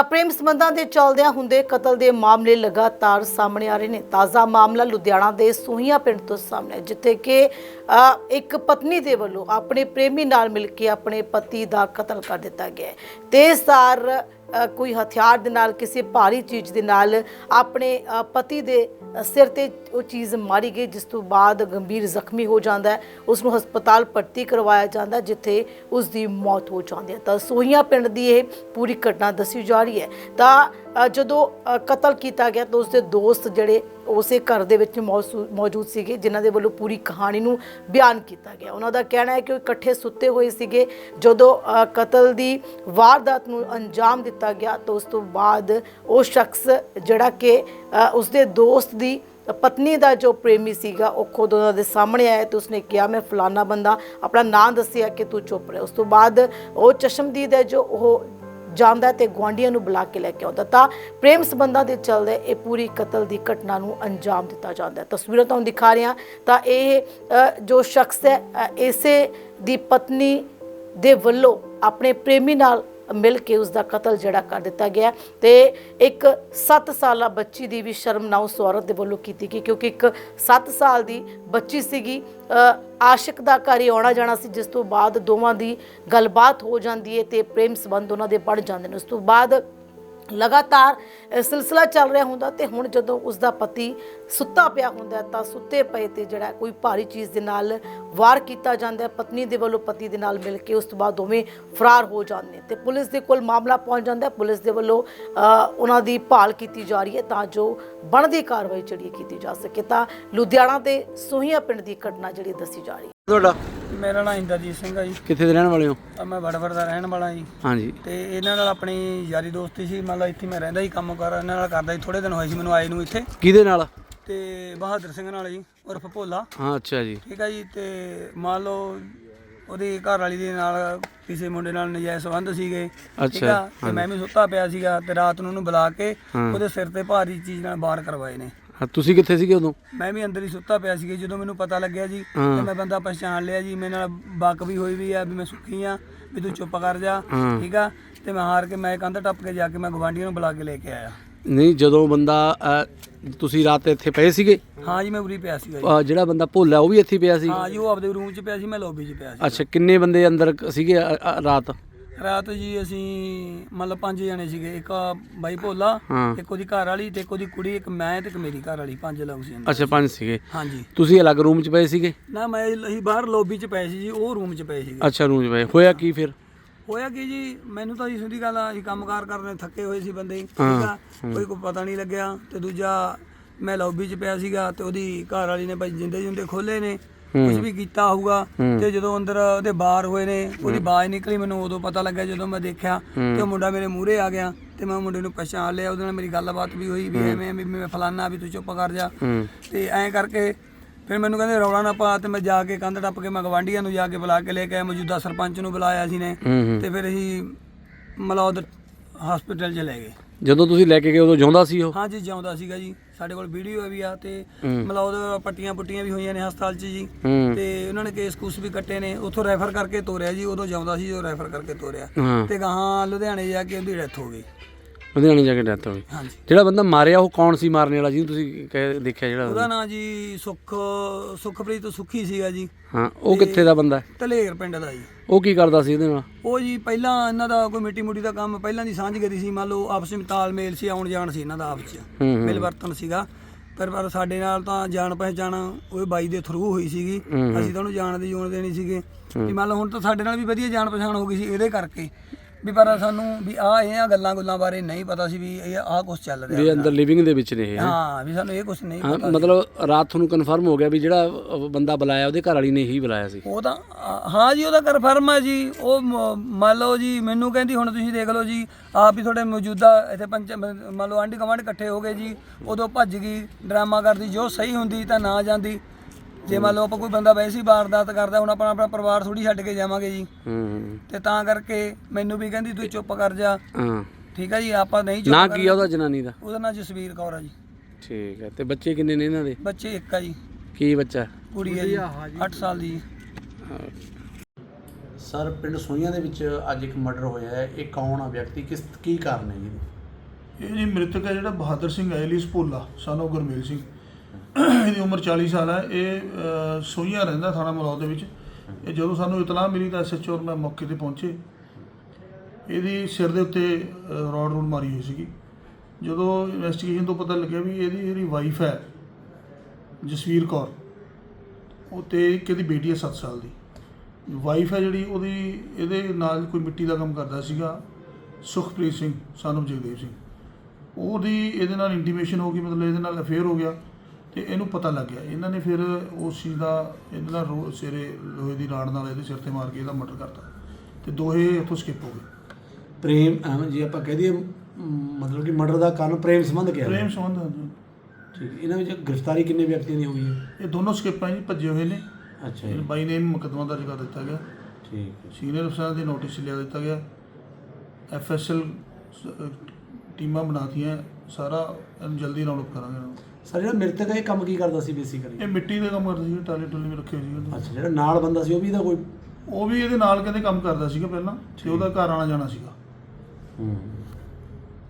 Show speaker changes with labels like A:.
A: ਪ੍ਰੇਮ ਸੰਬੰਧਾਂ ਦੇ ਚੱਲਦਿਆਂ ਹੁੰਦੇ ਕਤਲ ਦੇ ਮਾਮਲੇ ਲਗਾਤਾਰ ਸਾਹਮਣੇ ਆ ਰਹੇ ਨੇ। ਤਾਜ਼ਾ ਮਾਮਲਾ ਲੁਧਿਆਣਾ ਦੇ ਸੋਹੀਆਂ ਪਿੰਡ ਤੋਂ ਸਾਹਮਣੇ, ਜਿੱਥੇ ਕਿ ਇੱਕ ਪਤਨੀ ਦੇ ਵੱਲੋਂ ਆਪਣੇ ਪ੍ਰੇਮੀ ਨਾਲ ਮਿਲ ਕੇ ਆਪਣੇ ਪਤੀ ਦਾ ਕਤਲ ਕਰ ਦਿੱਤਾ ਗਿਆ ਹੈ। ਤੇਜ਼ਧਾਰ ਕੋਈ ਹਥਿਆਰ ਦੇ ਨਾਲ, ਕਿਸੇ ਭਾਰੀ ਚੀਜ਼ ਦੇ ਨਾਲ ਆਪਣੇ ਪਤੀ ਦੇ ਸਿਰ ਤੇ ਉਹ ਚੀਜ਼ ਮਾਰੀ ਗਈ, ਜਿਸ ਤੋਂ ਬਾਅਦ ਗੰਭੀਰ ਜ਼ਖਮੀ ਹੋ ਜਾਂਦਾ ਹੈ। ਉਸ ਨੂੰ ਹਸਪਤਾਲ ਭਰਤੀ ਕਰਵਾਇਆ ਜਾਂਦਾ, ਜਿੱਥੇ ਉਸ ਦੀ ਮੌਤ ਹੋ ਜਾਂਦੀ ਹੈ। ਤਾਂ ਸੋਹੀਆਂ ਪਿੰਡ ਦੀ ਇਹ ਪੂਰੀ ਘਟਨਾ ਦੱਸੀ ਜਾ ਰਹੀ ਹੈ। ਤਾਂ ਜਦੋਂ ਕਤਲ ਕੀਤਾ ਗਿਆ ਤਾਂ ਉਸਦੇ ਦੋਸਤ ਜਿਹੜੇ ਉਸੇ ਘਰ ਦੇ ਵਿੱਚ ਮੌਜੂਦ ਸੀਗੇ, ਜਿਨ੍ਹਾਂ ਦੇ ਵੱਲੋਂ ਪੂਰੀ ਕਹਾਣੀ ਨੂੰ ਬਿਆਨ ਕੀਤਾ ਗਿਆ। ਉਹਨਾਂ ਦਾ ਕਹਿਣਾ ਹੈ ਕਿ ਉਹ ਇਕੱਠੇ ਸੁੱਤੇ ਹੋਏ ਸੀਗੇ ਜਦੋਂ ਕਤਲ ਦੀ ਵਾਰਦਾਤ ਨੂੰ ਅੰਜਾਮ ਦਿੱਤਾ ਗਿਆ। ਤਾਂ ਉਸ ਤੋਂ ਬਾਅਦ ਉਹ ਸ਼ਖਸ ਜਿਹੜਾ ਕਿ ਉਸਦੇ ਦੋਸਤ ਦੀ ਪਤਨੀ ਦਾ ਜੋ ਪ੍ਰੇਮੀ ਸੀਗਾ, ਉਹ ਖੁਦ ਉਹਨਾਂ ਦੇ ਸਾਹਮਣੇ ਆਇਆ ਤੇ ਉਸਨੇ ਕਿਹਾ, ਮੈਂ ਫਲਾਨਾ ਬੰਦਾ, ਆਪਣਾ ਨਾਂ ਦੱਸਿਆ ਕਿ ਤੂੰ ਚੁੱਪ ਰਹਿ। ਉਸ ਤੋਂ ਬਾਅਦ ਉਹ ਚਸ਼ਮਦੀਦ ਹੈ ਜੋ ਉਹ ਜਾਂਦਾ ਤੇ ਗੁਆਂਢੀਆਂ ਨੂੰ ਬੁਲਾ ਕੇ ਲੈ ਕੇ ਆਉਂਦਾ। ਤਾਂ ਪ੍ਰੇਮ ਸੰਬੰਧਾਂ ਦੇ ਚੱਲਦੇ ਇਹ ਪੂਰੀ ਕਤਲ ਦੀ ਘਟਨਾ ਨੂੰ ਅੰਜਾਮ ਦਿੱਤਾ ਜਾਂਦਾ ਹੈ। ਤਸਵੀਰਾਂ ਤੁਹਾਨੂੰ ਦਿਖਾ ਰਹੇ ਹਾਂ। ਤਾਂ ਇਹ ਜੋ ਸ਼ਖਸ ਹੈ, ਇਸੇ ਦੀ ਪਤਨੀ ਦੇ ਵੱਲੋਂ ਆਪਣੇ ਪ੍ਰੇਮੀ ਨਾਲ ਮਿਲ ਕੇ ਉਸ ਦਾ ਕਤਲ ਜਿਹੜਾ ਕਰ ਦਿੱਤਾ ਗਿਆ ਤੇ ਇੱਕ 7 ਸਾਲਾ ਬੱਚੀ ਦੀ ਵੀ ਸ਼ਰਮਨਾਕ ਉਸ ਔਰਤ ਦੇ ਵੱਲੋਂ ਕੀਤੀ ਗਈ, ਕਿਉਂਕਿ ਇੱਕ 7 ਸਾਲ ਦੀ ਬੱਚੀ ਸੀਗੀ। ਆਸ਼ਿਕ ਦਾ ਘਰ ਹੀ ਆਉਣਾ ਜਾਣਾ ਸੀ, ਜਿਸ ਤੋਂ ਬਾਅਦ ਦੋਵਾਂ ਦੀ ਗੱਲਬਾਤ ਹੋ ਜਾਂਦੀ ਹੈ ਤੇ ਪ੍ਰੇਮ ਸੰਬੰਧ ਉਹਨਾਂ ਦੇ ਬਣ ਜਾਂਦੇ ਨੇ। ਉਸ ਤੋਂ ਬਾਅਦ ਲਗਾਤਾਰ ਸਿਲਸਿਲਾ ਚੱਲ ਰਿਹਾ ਹੁੰਦਾ ਤੇ ਹੁਣ ਜਦੋਂ ਉਸ ਦਾ ਪਤੀ ਸੁੱਤਾ ਪਿਆ ਹੁੰਦਾ ਤਾਂ ਸੁੱਤੇ ਪਏ ਤੇ ਜਿਹੜਾ ਕੋਈ ਭਾਰੀ ਚੀਜ਼ ਦੇ ਨਾਲ ਵਾਰ ਕੀਤਾ ਜਾਂਦਾ ਹੈ ਪਤਨੀ ਦੇ ਵੱਲੋਂ ਪਤੀ ਦੇ ਨਾਲ ਮਿਲ ਕੇ। ਉਸ ਤੋਂ ਬਾਅਦ ਦੋਵੇਂ ਫਰਾਰ ਹੋ ਜਾਂਦੇ ਤੇ ਪੁਲਿਸ ਦੇ ਕੋਲ ਮਾਮਲਾ ਪਹੁੰਚ ਜਾਂਦਾ। ਪੁਲਿਸ ਦੇ ਵੱਲੋਂ ਉਹਨਾਂ ਦੀ ਭਾਲ ਕੀਤੀ ਜਾ ਰਹੀ ਹੈ ਤਾਂ ਜੋ ਬਣਦੀ ਕਾਰਵਾਈ ਜਿਹੜੀ ਕੀਤੀ ਜਾ ਸਕੇ। ਤਾਂ ਲੁਧਿਆਣਾ ਦੇ ਸੋਹੀਆਂ ਪਿੰਡ ਦੀ ਘਟਨਾ ਜਿਹੜੀ ਦੱਸੀ ਜਾ ਰਹੀ ਹੈ।
B: ਤੁਹਾਡਾ?
C: ਮੇਰਾ ਨਾਮ ਇੰਦਰਜੀਤ ਸਿੰਘ ਆ ਜੀ।
B: ਕਿੱਥੇ ਦੇ ਰਹਿਣ ਵਾਲੇ ਹੋ?
C: ਮੈਂ ਵੜਵੜ ਦਾ ਰਹਿਣ ਵਾਲਾ ਜੀ।
B: ਹਾਂਜੀ।
C: ਤੇ ਇਹਨਾਂ ਨਾਲ ਆਪਣੀ ਯਾਰੀ ਦੋਸਤੀ ਸੀ। ਮੰਨ ਲਓ ਇੱਥੇ ਮੈਂ ਰਹਿੰਦਾ ਸੀ, ਕੰਮ ਕਰ ਇਹਨਾਂ ਨਾਲ ਕਰਦਾ ਸੀ। ਥੋੜੇ ਦਿਨ ਹੋਏ ਸੀ ਮੈਨੂੰ ਆਏ ਨੂੰ ਇੱਥੇ।
B: ਕਿਹਦੇ ਨਾਲ?
C: ਤੇ ਬਹਾਦਰ ਸਿੰਘ ਨਾਲ ਜੀ, ਉਰਫ ਭੋਲਾ।
B: ਹਾਂ, ਅੱਛਾ ਜੀ।
C: ਠੀਕ ਆ ਜੀ। ਤੇ ਮੰਨ ਲਓ ਉਹਦੀ ਘਰ ਵਾਲੀ ਦੇ ਨਾਲ ਕਿਸੇ ਮੁੰਡੇ ਨਾਲ ਨਜਾਇਜ਼ ਸੰਬੰਧ ਸੀਗੇ। ਠੀਕ ਆ। ਤੇ ਮੈਂ ਵੀ ਸੁੱਤਾ ਪਿਆ ਸੀਗਾ ਤੇ ਰਾਤ ਨੂੰ ਉਹਨੂੰ ਬੁਲਾ ਕੇ ਉਹਦੇ ਸਿਰ ਤੇ ਭਾਰੀ ਚੀਜ਼ ਨਾਲ ਵਾਰ ਕਰਵਾਏ ਨੇ।
B: ਤੁਸੀਂ ਕਿੱਥੇ ਸੀਗੇ ਉਦੋਂ?
C: ਮੈਂ ਵੀ ਅੰਦਰ ਹੀ ਸੁੱਤਾ ਪਿਆ ਸੀਗਾ। ਜਦੋਂ ਮੈਨੂੰ ਪਤਾ ਲੱਗਿਆ ਜੀ ਤੇ ਮੈਂ ਬੰਦਾ ਪਛਾਣ ਲਿਆ ਜੀ। ਮੇਰੇ ਨਾਲ ਬੱਕ ਵੀ ਹੋਈ ਵੀ ਆ ਵੀ ਮੈਂ ਸੁੱਖੀ ਆ, ਵੀ ਤੂੰ ਚੁੱਪ ਕਰ ਜਾ। ਠੀਕ ਆ। ਤੇ ਮੈਂ ਹਾਰ ਕੇ ਮੈਂ ਕੰਧ ਟੱਪ ਕੇ ਜਾ ਕੇ ਮੈਂ ਗਵਾਂਢੀਆਂ ਨੂੰ ਬੁਲਾ ਕੇ ਲੈ ਕੇ ਆਇਆ।
B: ਨਹੀਂ, ਜਦੋਂ ਬੰਦਾ ਤੁਸੀਂ ਰਾਤ ਇੱਥੇ ਪਏ ਸੀਗੇ?
C: ਹਾਂ ਜੀ, ਮੈਂ ਉਰੀ ਪਿਆ ਸੀਗਾ ਜੀ।
B: ਜਿਹੜਾ ਬੰਦਾ ਭੋਲਾ ਉਹ ਵੀ ਇੱਥੇ ਪਿਆ ਸੀ?
C: ਹਾਂ ਜੀ, ਉਹ ਆਪਦੇ ਰੂਮ 'ਚ ਪਿਆ ਸੀ, ਮੈਂ ਲੌਬੀ 'ਚ ਪਿਆ ਸੀ।
B: ਅੱਛਾ, ਕਿੰਨੇ ਬੰਦੇ ਅੰਦਰ ਸੀਗੇ ਰਾਤ?
C: ਰਾਤ ਜੀ ਅਸੀਂ ਮਤਲਬ 5 ਜਣੇ ਸੀਗੇ। ਇੱਕ ਬਾਈ ਭੋਲਾ, ਇੱਕ ਉਹਦੀ ਘਰ ਵਾਲੀ ਤੇ ਇੱਕ ਉਹਦੀ ਕੁੜੀ, ਇੱਕ ਮੈਂ ਤੇ ਇੱਕ ਮੇਰੀ ਘਰ ਵਾਲੀ। 5 ਲੋਕ ਸੀ।
B: ਅੱਛਾ, 5 ਸੀਗੇ।
C: ਹਾਂਜੀ।
B: ਤੁਸੀਂ ਅਲੱਗ ਰੂਮ 'ਚ ਪਏ ਸੀਗੇ?
C: ਨਾ, ਅਸੀਂ ਬਾਹਰ ਲੌਬੀ 'ਚ ਪਏ ਸੀ ਜੀ, ਉਹ ਰੂਮ 'ਚ ਪਏ ਸੀਗੇ।
B: ਅੱਛਾ, ਰੂਮ 'ਚ ਪਏ। ਹੋਇਆ ਕੀ ਫਿਰ?
C: ਹੋਇਆ ਕੀ ਜੀ, ਮੈਨੂੰ ਤਾਂ ਜੀ ਸਿੱਧੀ ਗੱਲ ਆ, ਅਸੀਂ ਕੰਮਕਾਰ ਕਰਨੇ ਥੱਕੇ ਹੋਏ ਸੀ ਬੰਦੇ। ਠੀਕ ਆ। ਕੋਈ ਪਤਾ ਨਹੀਂ ਲੱਗਿਆ। ਤੇ ਦੂਜਾ ਮੈਂ ਲੌਬੀ 'ਚ ਪਿਆ ਸੀਗਾ ਤੇ ਉਹਦੀ ਘਰ ਵਾਲੀ ਨੇ ਭਾਈ ਜਿੰਦੇ ਖੋਲੇ ਨੇ, ਕੁਝ ਵੀ ਕੀਤਾ ਹੋਊਗਾ। ਤੇ ਜਦੋਂ ਅੰਦਰ ਉਹਦੇ ਬਾਹਰ ਹੋਏ ਨੇ, ਉਹਦੀ ਆਵਾਜ਼ ਨਿਕਲੀ, ਮੈਨੂੰ ਉਦੋਂ ਪਤਾ ਲੱਗਿਆ ਜਦੋਂ ਮੈਂ ਦੇਖਿਆ ਤੇ ਉਹ ਮੁੰਡਾ ਮੇਰੇ ਮੂਹਰੇ ਆ ਗਿਆ ਤੇ ਮੈਂ ਮੁੰਡੇ ਨੂੰ ਪਛਾਣ ਲਿਆ। ਉਹਦੇ ਨਾਲ ਮੇਰੀ ਗੱਲਬਾਤ ਵੀ ਹੋਈ ਵੀ ਐਵੇਂ ਵੀ ਮੈਂ ਫਲਾਨਾ, ਵੀ ਤੂੰ ਚੁੱਪ ਕਰ ਜਾ। ਤੇ ਐਂ ਕਰਕੇ ਫਿਰ ਮੈਨੂੰ ਕਹਿੰਦੇ ਰੌਲਾ ਨਾ ਪਾ। ਤੇ ਮੈਂ ਜਾ ਕੇ ਕੰਧ ਟੱਪ ਕੇ ਮੈਂ ਗਵਾਂਢੀਆਂ ਨੂੰ ਜਾ ਕੇ ਬੁਲਾ ਕੇ ਲੈ ਕੇ ਆਇਆ। ਮੌਜੂਦਾ ਸਰਪੰਚ ਨੂੰ ਬੁਲਾਇਆ ਸੀ ਨੇ ਤੇ ਫਿਰ ਅਸੀਂ ਮਲੌਦ ਹਸਪੀਟਲ 'ਚ ਲੈ ਗਏ।
B: ਜਦੋਂ ਤੁਸੀਂ ਲੈ ਕੇ ਗਏ ਉਦੋਂ ਜਿਉਂਦਾ ਸੀ ਉਹ?
C: ਹਾਂ ਜੀ, ਜਿਉਂਦਾ ਸੀਗਾ ਜੀ। ਸਾਡੇ ਕੋਲ ਵੀਡੀਓ ਵੀ ਆ ਤੇ ਮਲੌਦ ਪੱਟੀਆਂ ਵੀ ਹੋਈਆਂ ਨੇ ਹਸਪਤਾਲ 'ਚ ਜੀ। ਤੇ ਉਹਨਾਂ ਨੇ ਕੇਸ ਕੂਸ ਵੀ ਕੱਟੇ ਨੇ। ਉੱਥੋਂ ਰੈਫਰ ਕਰਕੇ ਤੋਰਿਆ ਜੀ। ਉਦੋਂ ਜਿਉਂਦਾ ਸੀ, ਉਹ ਰੈਫਰ ਕਰਕੇ ਤੋਰਿਆ ਤੇ ਗਾਹਾਂ ਲੁਧਿਆਣੇ ਜਾ ਕੇ ਉਹਦੀ ਡੈਥ ਹੋ ਗਈ।
B: ਲੁਧਿਆਣੇ ਜਾ ਕੇ ਡੈਥ ਹੋ ਗਈ।
C: ਹਾਂਜੀ।
B: ਜਿਹੜਾ ਬੰਦਾ ਮਾਰਿਆ ਉਹ ਕੌਣ ਸੀ ਮਾਰਨ ਵਾਲਾ, ਜਿਹਨੂੰ ਤੁਸੀਂ ਦੇਖਿਆ? ਜਿਹੜਾ
C: ਉਹਦਾ ਨਾਂ ਜੀ ਸੁਖਪ੍ਰੀਤ ਸੁੱਖੀ ਸੀਗਾ ਜੀ।
B: ਹਾਂ, ਉਹ ਕਿੱਥੇ ਦਾ ਬੰਦਾ?
C: ਧਲੇਰ ਪਿੰਡ ਦਾ ਜੀ।
B: ਉਹ ਕੀ ਕਰਦਾ ਸੀ ਇਹਦੇ ਨਾਲ?
C: ਉਹ ਜੀ ਪਹਿਲਾਂ ਇਹਨਾਂ ਦਾ ਕੋਈ ਮਿੱਟੀ ਮੁੱਟੀ ਦਾ ਕੰਮ ਪਹਿਲਾਂ ਦੀ ਸਾਂਝ ਕਰੀ ਸੀ। ਮੰਨ ਲਓ ਆਪਸ ਵਿੱਚ ਤਾਲਮੇਲ ਸੀ, ਆਉਣ ਜਾਣ ਸੀ ਇਹਨਾਂ ਦਾ ਆਪਸ 'ਚ, ਮਿਲ ਵਰਤਨ ਸੀਗਾ। ਪਰ ਸਾਡੇ ਨਾਲ ਤਾਂ ਜਾਣ ਪਹਿਚਾਣ ਉਹ ਬਾਈ ਦੇ ਥਰੂ ਹੋਈ ਸੀਗੀ। ਅਸੀਂ ਤਾਂ ਉਹਨੂੰ ਜਾਣਦੇ ਨਹੀਂ ਸੀਗੇ ਵੀ ਮੰਨ ਲਓ ਹੁਣ ਤਾਂ ਸਾਡੇ ਨਾਲ ਵੀ ਵਧੀਆ ਜਾਣ ਪਛਾਣ ਹੋ ਗਈ ਸੀ ਇਹਦੇ ਕਰਕੇ ਵੀ। ਪਰ ਸਾਨੂੰ ਵੀ ਇਹ ਗੱਲਾਂ ਬਾਰੇ ਨਹੀਂ ਪਤਾ ਸੀ ਵੀ ਇਹ ਕੁਛ ਚੱਲ ਰਿਹਾ।
B: ਵੀ ਅੰਦਰ ਲਿਵਿੰਗ ਦੇ ਵਿੱਚ ਨੇ ਇਹ?
C: ਹਾਂ, ਵੀ ਸਾਨੂੰ ਇਹ ਕੁਛ ਨਹੀਂ ਪਤਾ।
B: ਮਤਲਬ ਰਾਤ ਤੁਹਾਨੂੰ ਕਨਫਰਮ ਹੋ ਗਿਆ ਵੀ ਜਿਹੜਾ ਬੰਦਾ ਬੁਲਾਇਆ ਉਹਦੇ ਘਰ ਵਾਲੀ ਨੇ ਹੀ ਬੁਲਾਇਆ ਸੀ?
C: ਉਹ ਤਾਂ ਹਾਂ ਜੀ, ਉਹਦਾ ਕਨਫਰਮ ਹੈ ਜੀ। ਉਹ ਮੰਨ ਲਓ ਜੀ ਮੈਨੂੰ ਕਹਿੰਦੀ ਹੁਣ ਤੁਸੀਂ ਦੇਖ ਲਓ ਜੀ ਆਪ ਹੀ ਤੁਹਾਡੇ ਮੌਜੂਦਾ ਇੱਥੇ ਮੰਨ ਲਓ ਆਂਢੀ ਗੁਆਂਢ ਇਕੱਠੇ ਹੋ ਗਏ ਜੀ। ਉਦੋਂ ਭੱਜ ਗਈ, ਡਰਾਮਾ ਕਰਦੀ। ਜੋ ਸਹੀ ਹੁੰਦੀ ਤਾਂ ਨਾ ਜਾਂਦੀ। ਜੇ ਮੰਨ ਲਓ ਆਪਾਂ ਕੋਈ ਬੰਦਾ ਵੈਸੇ ਹੀ ਵਾਰਦਾਤ ਕਰਦਾ, ਹੁਣ ਆਪਣਾ ਪਰਿਵਾਰ ਥੋੜੀ ਛੱਡ ਕੇ ਜਾਵਾਂਗੇ ਜੀ। ਤੇ ਤਾਂ ਕਰਕੇ ਮੈਨੂੰ ਵੀ ਕਹਿੰਦੀ ਤੂੰ ਚੁੱਪ ਕਰ ਜਾ। ਠੀਕ ਆ ਜੀ। ਆਪਾਂ ਨਹੀਂ ਚੁੱਪ।
B: ਨਾ ਕੀ ਉਹਦਾ ਜਨਾਨੀ ਦਾ?
C: ਉਹਦਾ ਨਾਂ ਜਸਵੀਰ ਕੌਰ ਆ ਜੀ।
B: ਠੀਕ ਹੈ। ਤੇ ਬੱਚੇ ਕਿੰਨੇ ਨੇ ਇਹਨਾਂ ਦੇ?
C: ਬੱਚੇ ਇੱਕ ਆ ਜੀ।
B: ਕੀ ਬੱਚਾ?
C: ਕੁੜੀ ਆ ਜੀ, 8 ਸਾਲ ਦੀ।
B: ਸਰ ਪਿੰਡ ਸੋਈਆਂ ਦੇ ਵਿੱਚ ਅੱਜ ਇੱਕ ਮਰਡਰ ਹੋਇਆ ਹੈ, ਇਹ ਕੌਣ ਆ ਵਿਅਕਤੀ, ਕੀ ਕਾਰਨ ਹੈ ਜੀ?
D: ਇਹ ਜੀ ਮ੍ਰਿਤਕ ਹੈ ਜਿਹੜਾ ਬਹਾਦਰ ਸਿੰਘ ਐਲੀਸ ਭੋਲਾ son of ਗੁਰਮੇਲ ਸਿੰਘ। ਇਹਦੀ ਉਮਰ 40 ਸਾਲ ਹੈ। ਇਹ ਸੋਈਆਂ ਰਹਿੰਦਾ ਥਾਣਾ ਮਲੌਦ ਦੇ ਵਿੱਚ। ਇਹ ਜਦੋਂ ਸਾਨੂੰ ਇਤਲਾਹ ਮਿਲੀ ਤਾਂ SHO ਔਰ ਮੈਂ ਮੌਕੇ ਤੇ ਪਹੁੰਚੇ। ਇਹਦੀ ਸਿਰ ਦੇ ਉੱਤੇ ਰੋਡ ਮਾਰੀ ਹੋਈ ਸੀਗੀ। ਜਦੋਂ ਇਨਵੈਸਟੀਗੇਸ਼ਨ ਤੋਂ ਪਤਾ ਲੱਗਿਆ ਵੀ ਇਹਦੀ ਜਿਹੜੀ ਵਾਈਫ ਹੈ ਜਸਵੀਰ ਕੌਰ, ਉਹ ਤੇ ਇੱਕ ਇਹਦੀ ਬੇਟੀ ਹੈ 7 ਸਾਲ ਦੀ। ਵਾਈਫ ਹੈ ਜਿਹੜੀ ਉਹਦੀ ਇਹਦੇ ਨਾਲ ਕੋਈ ਮਿੱਟੀ ਦਾ ਕੰਮ ਕਰਦਾ ਸੀਗਾ, ਸੁਖਪ੍ਰੀਤ ਸਿੰਘ son of ਜਗਦੇਵ ਸਿੰਘ। ਉਹਦੀ ਇਹਦੇ ਨਾਲ ਇੰਟੀਮੇਸ਼ਨ ਹੋ ਗਈ, ਮਤਲਬ ਇਹਦੇ ਨਾਲ ਅਫੇਅਰ ਹੋ ਗਿਆ ਤੇ ਇਹਨੂੰ ਪਤਾ ਲੱਗ ਗਿਆ। ਇਹਨਾਂ ਨੇ ਫਿਰ ਉਸ ਚੀਜ਼ ਦਾ ਇਹਦੇ ਨਾਲ ਸਿਰੇ ਲੋਹੇ ਦੀ ਰਾੜ ਨਾਲ ਇਹਦੇ ਸਿਰ ਤੇ ਮਾਰ ਕੇ ਇਹਦਾ ਮਰਡਰ ਕਰਤਾ ਤੇ ਦੋਹੇ ਇੱਥੋਂ ਸਕਿਪ ਹੋ ਗਏ।
B: ਪ੍ਰੇਮ ਜੀ ਆਪਾਂ ਕਹਿ ਦਈਏ ਮਤਲਬ ਕਿ ਮਰਡਰ ਦਾ ਕਾਰਨ ਪ੍ਰੇਮ ਸੰਬੰਧ ਕਿਹਾ
D: ਪ੍ਰੇਮ ਸੰਬੰਧ ਹਾਂਜੀ।
B: ਠੀਕ, ਇਹਨਾਂ ਵਿੱਚ ਗ੍ਰਿਫਤਾਰੀ ਕਿੰਨੇ ਵਿਅਕਤੀਆਂ ਦੀ ਹੋਈ ਹੈ?
D: ਇਹ ਦੋਨੋਂ ਸਕਿਪ ਜੀ ਭੱਜੇ ਹੋਏ ਨੇ।
B: ਅੱਛਾ ਜੀ,
D: ਬਾਈ ਨੇ ਮੁਕੱਦਮਾ ਦਰਜ ਕਰ ਦਿੱਤਾ ਗਿਆ।
B: ਠੀਕ ਹੈ।
D: ਸੀਨੀਅਰ ਅਫਸਰਾਂ ਦੇ ਨੋਟਿਸ ਲਿਆ ਦਿੱਤਾ ਗਿਆ। FSL ਟੀਮਾਂ ਬਣਾਤੀਆਂ, ਸਾਰਾ ਇਹਨੂੰ ਜਲਦੀ ਰਾਉਂਡ ਅਪ ਕਰਾਂਗੇ।
B: ਸਰ ਜਿਹੜਾ ਮ੍ਰਿਤਕ ਹੈ ਇਹ ਕੰਮ ਕੀ ਕਰਦਾ ਸੀ ਬੇਸਿਕਲੀ?
D: ਇਹ ਮਿੱਟੀ ਦੇ ਕੰਮ ਕਰਦਾ ਸੀ, ਟਾਲੇ ਟੁਲੇ ਵੀ ਰੱਖੇ ਸੀ।
B: ਅੱਛਾ, ਜਿਹੜਾ ਨਾਲ ਬੰਦਾ ਸੀ ਉਹ ਵੀ ਇਹਦਾ ਕੋਈ?
D: ਉਹ ਵੀ ਇਹਦੇ ਨਾਲ ਕਹਿੰਦੇ ਕੰਮ ਕਰਦਾ ਸੀਗਾ ਪਹਿਲਾਂ, ਤੇ ਉਹਦਾ ਘਰ ਆਉਣਾ ਜਾਣਾ ਸੀਗਾ।